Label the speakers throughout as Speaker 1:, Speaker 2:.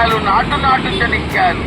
Speaker 1: చెనిక్కాయలు నాటు చెనిక్కాయలు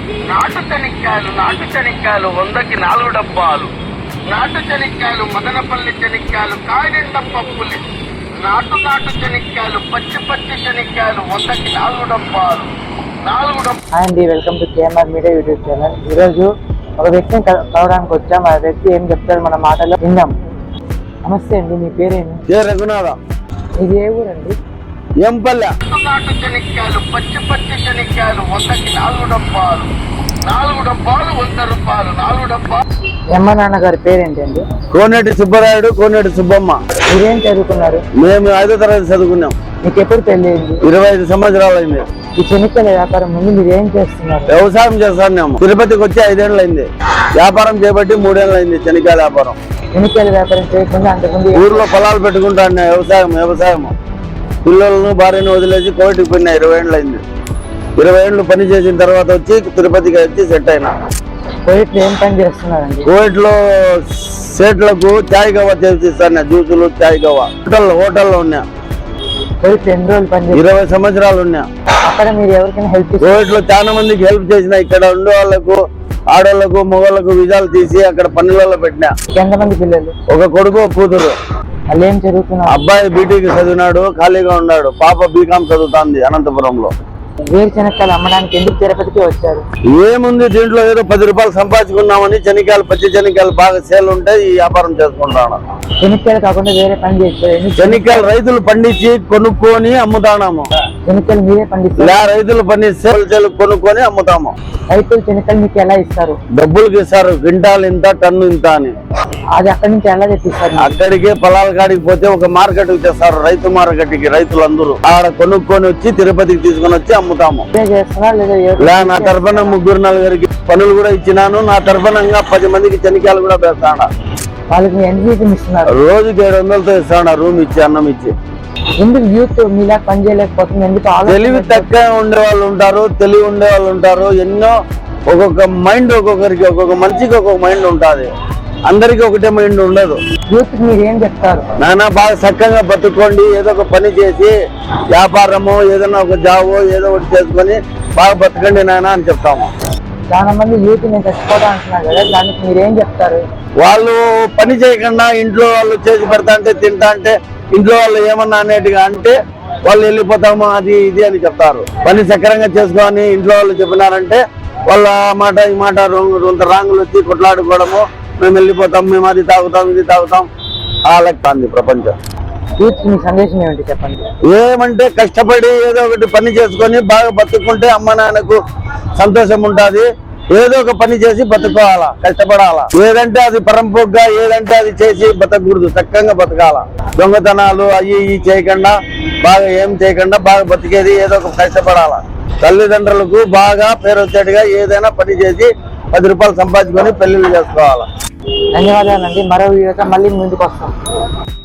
Speaker 1: నాటు చెనిక్కాయలు 100కి 4 డబ్బాలు. నాటు చెనిక్కాయలు మదనపల్లి చెనిక్కాయలు కాయనిండ పప్పులి. నాటు చెనిక్కాయలు పచ్చి చెనిక్కాయలు 100కి 4 డబ్బాలు.
Speaker 2: అండి, welcome to KMR media YouTube channel. ఈరోజు ఒక వ్యక్తిని కలవడానికి వచ్చాం. ఆ వ్యక్తి ఏం చెప్తారు మన మాటలో విందాం. నమస్తే అండి, మీ పేరేమి?
Speaker 3: రఘునాథ.
Speaker 2: ఇది ఏ ఊరండి?
Speaker 3: ఎంపల్లె.
Speaker 1: నాటు చెనిక్కాయలు పచ్చి చెనిక్కాయలు 100కి 4 డబ్బాలు. 4 డబ్బాలు 100 రూపాయలు. 4 డబ్బాలు.
Speaker 2: అమ్మ నాన్న గారి పేరేంటి అండి?
Speaker 3: కోనేటి సుబ్బరాయుడు, కోనేటి సుబ్బమ్మ.
Speaker 2: మీరేం చదువుకున్నారు?
Speaker 3: మేము 5వ తరగతి చదువుకున్నాం.
Speaker 2: మీకు ఎప్పుడు పెళ్లి అయింది?
Speaker 3: 25 సంవత్సరాలు అయింది.
Speaker 2: ఈ చెనిక్కాయల వ్యాపారం ముందు మీరు ఏం చేస్తున్నారు?
Speaker 3: వ్యవసాయం చేస్తాను. తిరుపతికి వచ్చి 5 ఏళ్ళు అయింది. వ్యాపారం చేపట్టి 3 ఏళ్ళు అయింది. చెనిక్కాయల వ్యాపారం.
Speaker 2: చెనిక్కాయల వ్యాపారం చేయకుండా అంతకుముందు
Speaker 3: ఊర్లో పొలాలు పెట్టుకుంటాను. వ్యవసాయం పిల్లలను భార్యను వదిలేసి కోవిడ్కి పోయినా 20 ఏళ్ళు అయింది. 20 ఏళ్ళు పని చేసిన తర్వాత వచ్చి తిరుపతికి వచ్చి సెట్ అయినా.
Speaker 2: కోవిడ్ ఏం పని చేస్తున్నారండి?
Speaker 3: కోవిడ్ లో సేట్లకు చాయ్ గవ్వ చేసిస్తాను. జ్యూసులు, చాయ్ గవ్వ. హోటల్లో ఉన్నా.
Speaker 2: కోవిడ్ ఎన్ని రోజులు పని చేస్తారు?
Speaker 3: 20 సంవత్సరాలు ఉన్నా.
Speaker 2: అక్కడ మీరు ఎవరికైనా హెల్ప్ చేస్తారు?
Speaker 3: కోవిడ్ లో చాలా మందికి హెల్ప్ చేసిన. ఇక్కడ ఉండే వాళ్ళకు, ఆడవాళ్లకు, మగవాళ్ళకు విజాలు తీసి అక్కడ పనులలో పెట్టినా.
Speaker 2: ఎంతమంది పిల్లలు?
Speaker 3: ఒక కొడుకు, కూతురు.
Speaker 2: వాళ్ళు ఏం చదువుతున్నారు?
Speaker 3: అబ్బాయి బీటీకి చదివినాడు, ఖాళీగా ఉన్నాడు. పాప బీకాం చదువుతాంది అనంతపురంలో.
Speaker 2: వేరు చెనక్కాయలు అమ్మడానికి ఎందుకు తిరుపతికి వచ్చారు?
Speaker 3: ఏముంది, దీంట్లో ఏదో 10 రూపాయలు సంపాదించుకున్నామని చెనిక్కాయలు, పచ్చి చెనిక్కాయలు బాగా సేల్ ఉంటే ఈ వ్యాపారం చేసుకుంటాను.
Speaker 2: చెనిక్కాయలు కాకుండా వేరే పని చేస్తారు?
Speaker 3: చెనిక్కాయలు రైతులు పండించి కొనుక్కొని అమ్ముతాము.
Speaker 2: చెనిక్కాయలు మీరే పండిస్తారు?
Speaker 3: రైతులు పండించి కొనుక్కొని అమ్ముతాము.
Speaker 2: రైతులు చెనిక్కాయలు మీకు ఎలా ఇస్తారు?
Speaker 3: డబ్బులకి ఇస్తారు. క్వింటాల్ ఇంత, టన్ను ఇంత అని.
Speaker 2: అది అక్కడి నుంచి ఎలా తెప్పిస్తారు?
Speaker 3: అక్కడికి పొలాల కాడికి పోతే ఒక మార్కెట్ కి తెస్తారు. రైతు మార్కెట్ కి రైతులందరూ ఆడ కొనుక్కొని వచ్చి తిరుపతికి తీసుకొని వచ్చి అమ్ముతాము. నా తరఫున 3-4 పనులు కూడా ఇచ్చినాను. నా తరఫున 10 మందికి చెనిక్కాయలు కూడా పెడతాను.
Speaker 2: వాళ్ళకి ఎంత ఇస్తున్నారు?
Speaker 3: రోజుకి 700తో ఇస్తాను. రూమ్ ఇచ్చి, అన్నం ఇచ్చి.
Speaker 2: ఎందుకు యూత్ మీలా పని చేయలేకపోతుంది? ఎందుకు?
Speaker 3: తెలివి తక్కువ ఉండే వాళ్ళు ఉంటారు, తెలివి ఉండే వాళ్ళు ఉంటారు. ఎన్నో ఒక్కొక్క మైండ్, ఒక్కొక్కరికి, ఒక్కొక్క మనిషికి ఒక్కొక్క మైండ్ ఉంటుంది. అందరికి ఒకటే మైండ్ ఉండదు.
Speaker 2: యూత్ మీరు ఏం చెప్తారు?
Speaker 3: నాన్న బాగా చక్కగా బతుక్కోండి. ఏదో ఒక పని చేసి వ్యాపారము, ఏదైనా ఒక జాబో ఏదో ఒకటి చేసుకొని బాగా బతకండి నాన్న అని చెప్తాము.
Speaker 2: చాలా మంది యూత్ నేను చచ్చిపోతా అంటున్నారు కదా, దానికి మీరేం చెప్తారు?
Speaker 3: వాళ్ళు పని చేయకుండా ఇంట్లో వాళ్ళు చేసి పెడతా అంటే, తింటా అంటే, ఇంట్లో వాళ్ళు ఏమన్నా అనేట్టుగా అంటే వాళ్ళు వెళ్ళిపోతాము అది ఇది అని చెప్తారు. పని సక్రంగా చేసుకొని ఇంట్లో వాళ్ళు చెప్పినారంటే వాళ్ళ మాట ఈ మాట రాంగులు వచ్చి కొట్లాడుకోవడము, మేము వెళ్ళిపోతాం, మేము అది తాగుతాం, ఇది తాగుతాం, అలాగే ప్రపంచం.
Speaker 2: యూత్ మీ సందేశం ఏమిటి చెప్పండి?
Speaker 3: ఏమంటే కష్టపడి ఏదో ఒకటి పని చేసుకొని బాగా బతుక్కుంటే అమ్మ నాన్నకు సంతోషం ఉంటుంది. ఏదో ఒక పని చేసి బతుకోవాలా, కష్టపడాలా. ఏదంటే అది పరంపోగ్గా, ఏదంటే అది చేసి బతకూడదు. చక్కగా బతకాల. దొంగతనాలు అవి చేయకుండా, బాగా ఏం చేయకుండా బాగా బతికేది ఏదో ఒక కష్టపడాలా. తల్లిదండ్రులకు బాగా పేరు వచ్చేట్టుగా ఏదైనా పని చేసి 10 రూపాయలు సంపాదించుకొని పెళ్లిళ్ళు చేసుకోవాలా.
Speaker 2: ధన్యవాదాలండి. మరో వీడియోతో మళ్ళీ ముందుకు వస్తాం.